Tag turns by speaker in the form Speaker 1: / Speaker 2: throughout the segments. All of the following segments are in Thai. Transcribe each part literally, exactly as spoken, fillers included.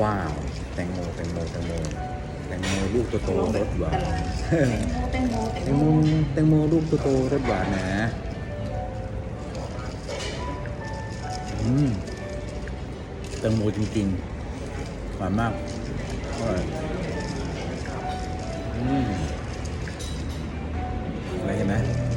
Speaker 1: ว้าวแตงโมแตงโมแตงโมแตงโมลูกโตๆรสหวาน
Speaker 2: แตงโมแตง
Speaker 1: แต
Speaker 2: โม
Speaker 1: งโมแตงโมลูกโตๆรสหวานนะอืมแตงโมจริงๆหวานมากอร่อยอืมอะไรเห็นไหม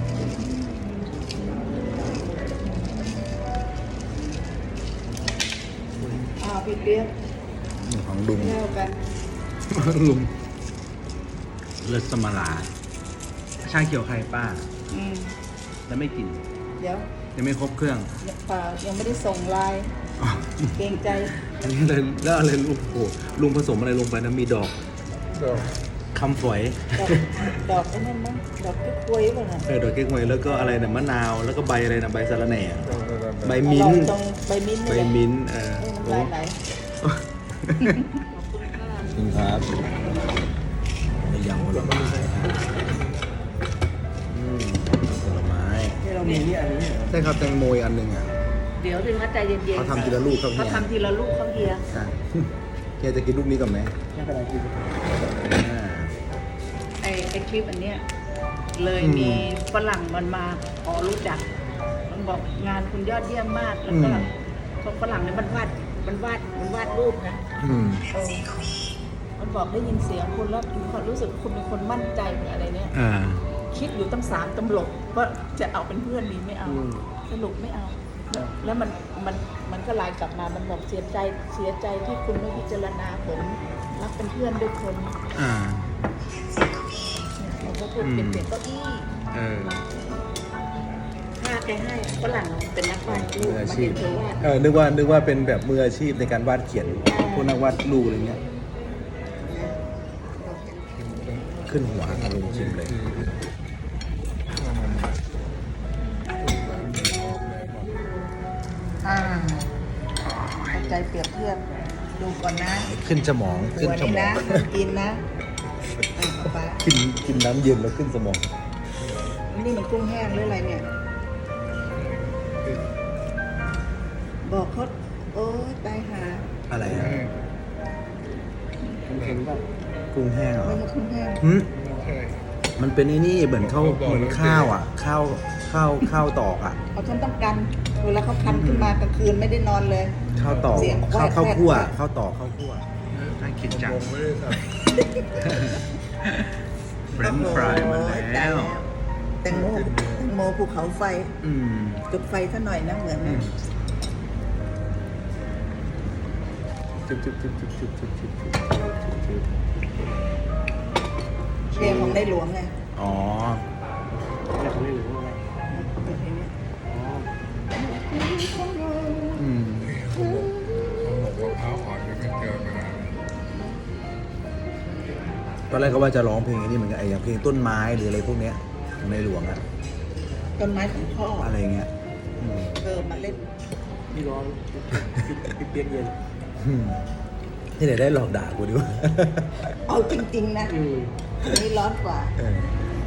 Speaker 2: อ่าพี่เปี๊ยก
Speaker 1: นี่ของลุง
Speaker 2: เล่ากัน
Speaker 1: ลุงเลิศสมาลาชาเขียวใครป้า
Speaker 2: อืม
Speaker 1: แล้วไม่กิน
Speaker 2: เดี๋ยว
Speaker 1: ยังไม่ครบเครื่อง
Speaker 2: ยังเปล่ายังไม่ได้ส่งไลน์
Speaker 1: อ๋อ
Speaker 2: เกรงใจ
Speaker 1: อันนี้เลยแล้วอะไรลุงโอ้โหลุงผสมอะไรลงไปนะมีดอกคำฝอย
Speaker 2: ดอกดอกไอ้นั่นมั้งดอกกล้วยกล้วยป่ะน่ะ
Speaker 1: เออดอกเก๊กฮวยแล้วก็อะไรนะมะนาวแล้วก็ใบอะไรนะใบสะระแหน่ใบมิ้น
Speaker 2: อร่อย
Speaker 1: ท์
Speaker 2: ตรงใบมิ้นท์
Speaker 1: ใบ
Speaker 2: นี่แหละ
Speaker 1: มิ้นท์เออ
Speaker 2: เออ
Speaker 1: โอ้
Speaker 2: น้ำลายไหล
Speaker 1: จริงครับในยำผลไม้อืมผลไม้
Speaker 2: ที่เรามีนี่อันนี้
Speaker 1: ใช่ครับแตงโมอีกอันหนึ่งอ่ะ
Speaker 2: เดี๋ยวถึงนะใจเย็นๆ
Speaker 1: เขาทำทีละลูกครับเฮี
Speaker 2: เขา
Speaker 1: ย
Speaker 2: ทำทีละลูกเขาเฮีย
Speaker 1: ใช่ เฮียจะกินลูกนี้ก่อนไหม
Speaker 2: ไม่เป็นไรกิน
Speaker 1: อ่า
Speaker 2: ไอไอคลิปอันเนี้ยเลย
Speaker 1: อืม
Speaker 2: มีฝรั่งมันมาขอรู้จักมันบอกงานคุณยอดเยี่ยมมากแล้วก็
Speaker 1: อืม
Speaker 2: พวกฝรั่งเนี่ยมันวาดมันวาดมันวาดรูปนะ
Speaker 1: อืม
Speaker 2: เออมันบอกได้ยินเสียงคุณแล้วคุณรู้สึกคุณเป็นคนมั่นใจหรืออะไรเนี่ย
Speaker 1: อ่า
Speaker 2: คิดอยู่ตั้งสามตำลบว่าจะเอาเป็นเพื่อนดีไม่เอา สรุปไม่เอา แล้วมันมันมันก็ไลน์กลับมามันบอกเสียใจเสียใจที่คุณไม่พิจารณาผมรักเป็นเพื่อนด้วยคน
Speaker 1: อ่า
Speaker 2: เนี่ยมันก็พูดเป็นเสียงเก้าอี้
Speaker 1: เออ
Speaker 2: ถ้าแกให้ฝรั่งเป็นนักวาดรู
Speaker 1: มื
Speaker 2: ป
Speaker 1: ออา
Speaker 2: มา
Speaker 1: ชี
Speaker 2: เห็
Speaker 1: พ
Speaker 2: นเธอวาด
Speaker 1: เออ นึกว่า นึกว่าเป็นแบบมืออาชีพในการวาดเขียน พวกนักวาดรูปอะไรเงี้ย ขึ้นหัวอารมณ์ชิมเลย
Speaker 2: อ่าเข้าใจเปรียบเทียบดูก่อนนะ
Speaker 1: ขึ้นสมอง ขึ้น
Speaker 2: หัว
Speaker 1: ส
Speaker 2: นี่
Speaker 1: มอ
Speaker 2: นะ
Speaker 1: ง
Speaker 2: กินนะอ่ะเอาไป
Speaker 1: กิน กินน้ำเย็นแล้วขึ้นสมอง
Speaker 2: นี่มันกุ้งแห้งหรืออะไรเนี่ย บอกเขาโอ๊ยตายหา
Speaker 1: อะไรอ่ะ
Speaker 3: เห็นแบบ
Speaker 1: กุ้งแห้งเหรอ
Speaker 2: ไม่ใช่กุ้งแห้ง
Speaker 1: หึ
Speaker 3: ใช่
Speaker 1: มันเป็นไอ้นี่เหมือนข้าวเหมือนข้าวอ่ะ ข้าว ข้าว ข้าวตอกอ่ะ
Speaker 2: เอาฉันต้องกันเวลาเขาคันขึ้นมากลางคืนไม่ได้นอนเลย
Speaker 1: ข้าวตอก
Speaker 2: เสียง
Speaker 1: ข้าว
Speaker 2: แวะ
Speaker 1: ข้าวคั่ว
Speaker 2: แวะ
Speaker 1: ข้าวตอกข้าวคั่วน่ากินจัง
Speaker 3: ผมไม่ได้สั่ง
Speaker 1: เฟรนช์ฟรายมา
Speaker 2: โอ้ย
Speaker 1: แล้
Speaker 2: ตายว แตงโมแตงโมภูเขาไฟ
Speaker 1: อืม
Speaker 2: จุดไฟซะหน่อยนะเหมือน
Speaker 1: อื
Speaker 2: นะ
Speaker 1: มจุ๊บจุ๊บจุ๊บจุ๊บจุ๊บจุ๊บจุ๊บจุ๊บจุ๊บ
Speaker 2: เพลงของในหลวงไง
Speaker 1: อ๋อ
Speaker 3: แต่เขาไม่รู้ว่า
Speaker 2: เป็นเพลงนี้
Speaker 1: อืม
Speaker 3: เขาบอกว่าเท้าอ่อนนี่ไม่เจอมานาน
Speaker 1: ตอนแรกก็ว่าจะร้องเพลงอันนี้เหมือนกันไอ้อย่างเพลงต้นไม้หรืออะไรพวกเนี้ยของในหลวงอะ
Speaker 2: ต้นไม้ของพ่อ
Speaker 1: อะไรเงี้ยอืม
Speaker 2: เออมาเล่น
Speaker 3: พี่ร้อนพี่เปียกเย็น
Speaker 1: อืมที่ไหนได้หลอกด่ากูดีวะ
Speaker 2: เอาจริง ๆ นะ
Speaker 3: อืม
Speaker 2: อันนี้ร้อนกว่า
Speaker 1: เออ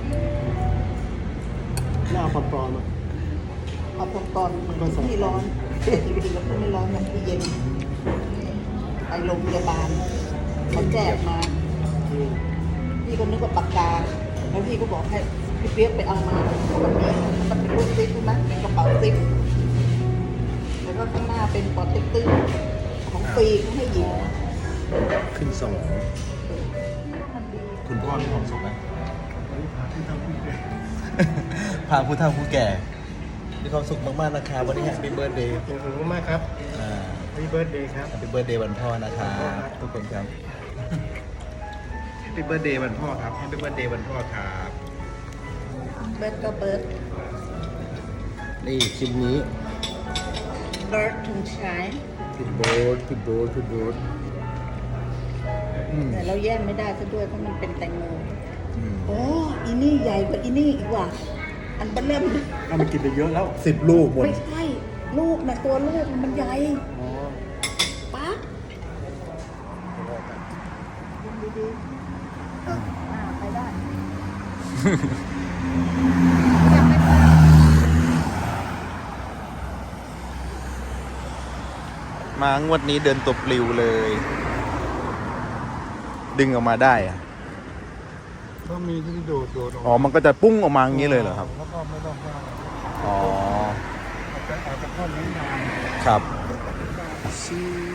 Speaker 3: หน้าปลอมปลอมอ่ะ
Speaker 2: เอาพอตอนที่ร้อนจริงๆแล้วก็ไม่ร้อนมันที่เย็นไปโรงพยาบาลเขาแจกมา
Speaker 3: อืม
Speaker 2: พี่ก็นึกว่าปากกา แล้วพี่ก็บอกให้พี่เปี๊ยกไปเอามามันมีมันเป็นรูปซิปใช่ไหมเป็นกระเป๋าซิปแล้วก็ข้างหน้าเป็นปอเต็กตึ้งของฟรีเขาให้หญิง
Speaker 1: ขึ้นสมอง
Speaker 2: มันดี
Speaker 1: คุณพ่อมีความสุขไหมพาผู้เฒ่าผู้แก่มีความสุขมากๆนะครับวันนี้แฮปปี้เบิร์ดเดย์
Speaker 3: ขอบคุณมากครับ
Speaker 1: อ่า
Speaker 3: พี่เบิร์ดเดย์ครับ
Speaker 1: แฮปปี้เบิร์ดเดย์วันพ่อนะครับทุกคนครับแฮปปี้เบิร์ดเดย์วันพ่อครับแฮปปี้เบิร์ดเดย์วันพ่อครับ
Speaker 2: เบิร์ดก็เบิร์ด
Speaker 1: นี่คลิปนี้
Speaker 2: เบิร์ดถึงใช้
Speaker 1: พี่โบ๊ทพี่โบ๊ทพี่โบ๊ทอืม
Speaker 2: แต่เราแย่งไม่ได้ซะด้วยเพราะมันเป็นแตงโม
Speaker 1: อืม
Speaker 2: โอ้อีนี่ใหญ่กว่าอีนี่อีกว่ะอันเบลเริ่ม
Speaker 3: เอามากินไปเยอะแล้ว
Speaker 1: สิบลูกหมด
Speaker 2: ไม่ใช่ลูกนะตัวลูกมันใหญ่
Speaker 3: อ๋อ
Speaker 2: ปั๊บดูดีๆอ่าไปได้
Speaker 1: มางวดนี้เดินตบปลิวเลย
Speaker 4: ดึงออกมาได้อะ
Speaker 3: ก็มีที่โดดโดดออก
Speaker 4: อ๋อมันก็จะปุ้งออกมาอย่างนี้เลยเหรอครับ
Speaker 3: แล้วก็ไม่ต้องว่า
Speaker 4: อ๋อ
Speaker 3: อาจจะอาจจะเข้าเลี้ยงนาน
Speaker 4: ครับ
Speaker 3: ซี